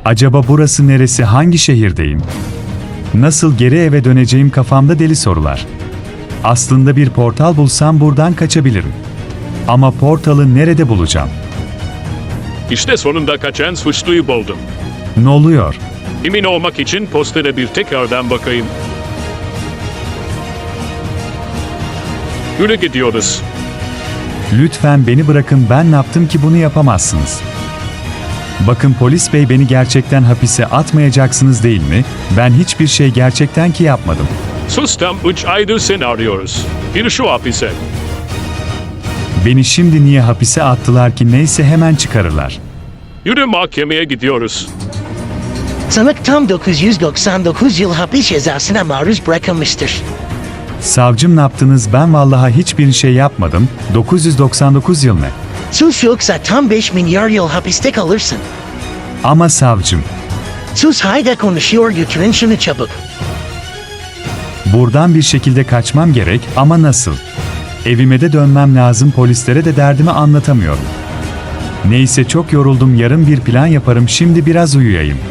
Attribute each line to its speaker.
Speaker 1: Acaba burası neresi, hangi şehirdeyim? Nasıl geri eve döneceğim, kafamda deli sorular. Aslında bir portal bulsam buradan kaçabilirim. Ama portalı nerede bulacağım?
Speaker 2: İşte sonunda kaçan suçluyu buldum.
Speaker 1: Ne oluyor?
Speaker 2: Emin olmak için postere bir tekrardan bakayım. Yürü gidiyoruz.
Speaker 1: Lütfen beni bırakın, ben ne yaptım ki bunu yapamazsınız? Bakın polis bey, beni gerçekten hapise atmayacaksınız değil mi? Ben hiçbir şey gerçekten ki yapmadım.
Speaker 2: Sus, tam 3 aydır seni arıyoruz. Gir şu hapise.
Speaker 1: Beni şimdi niye hapise attılar ki? Neyse, hemen çıkarırlar.
Speaker 2: Yürü, mahkemeye gidiyoruz.
Speaker 3: Sanık tam 999 yıl hapis cezasına maruz bırakılmıştır.
Speaker 1: Savcım, ne yaptınız? Ben vallahi hiçbir şey yapmadım. 999 yıl ne?
Speaker 3: Sus, yoksa tam 5 milyar yıl hapiste kalırsın.
Speaker 1: Ama savcım,
Speaker 3: Sus, hayda, konuşuyor, götürün şunu çabuk.
Speaker 1: buradan bir şekilde kaçmam gerek ama nasıl? Evime de dönmem lazım, polislere de derdimi anlatamıyorum. Neyse, çok yoruldum, yarın bir plan yaparım, şimdi biraz uyuyayım.